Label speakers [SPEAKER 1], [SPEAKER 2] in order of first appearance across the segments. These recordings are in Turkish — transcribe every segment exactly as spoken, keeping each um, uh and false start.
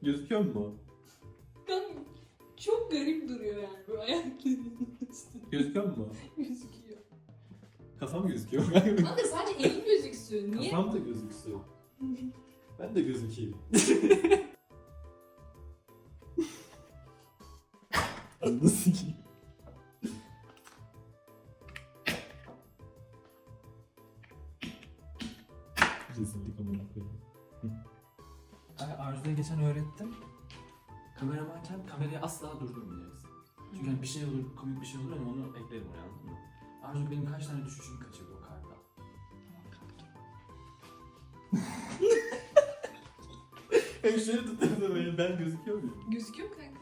[SPEAKER 1] Gözüküyor mu?
[SPEAKER 2] Ben çok garip duruyor yani bu ayaklarının üstünde.
[SPEAKER 1] Gözüküyor mu?
[SPEAKER 2] Gözüküyor.
[SPEAKER 1] Kafam gözüküyor.
[SPEAKER 2] Kanka sadece elin gözüksün. Niye?
[SPEAKER 1] Kafam da gözüksün. Ben de gözükeyim. Nasıl ki? Rezillik amına koyayım.
[SPEAKER 3] Arzu'ya geçen öğrettim. Kameramanken kamerayı asla durdurmayacaksın. Çünkü hani bir şey olur, komik bir şey olur ama onu eklerim oraya, anladın mı? Arzu benim kaç tane düşüşümü kaçırdı o karda.
[SPEAKER 1] Hem şöyle tutuyordu beni, ben gözüküyor muyum?
[SPEAKER 2] Gözüküyor mu kanka?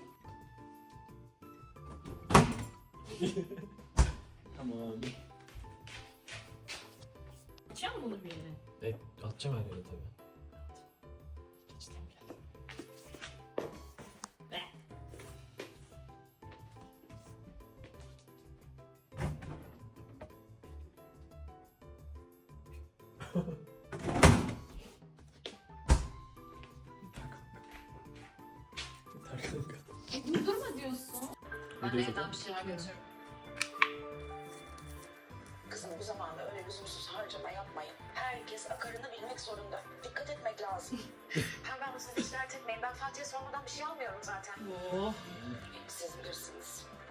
[SPEAKER 1] Tamam.
[SPEAKER 2] Açacağım bunu bir yere.
[SPEAKER 3] E, atacağım her yere tabii.
[SPEAKER 1] Yeter kanka.
[SPEAKER 2] E, durdurma diyorsun.
[SPEAKER 1] Ben de evden
[SPEAKER 2] bir şeyler götürürüm.
[SPEAKER 4] Kızım bu zamanda öyle lüzumsuz harcama yapmayın. Herkes akarını bilmek zorunda. Dikkat etmek lazım. Hem ben bu sizi hiç dert etmeyin. Ben Fatih'e sormadan bir şey almıyorum zaten.
[SPEAKER 2] Oh.
[SPEAKER 4] Siz bilirsiniz.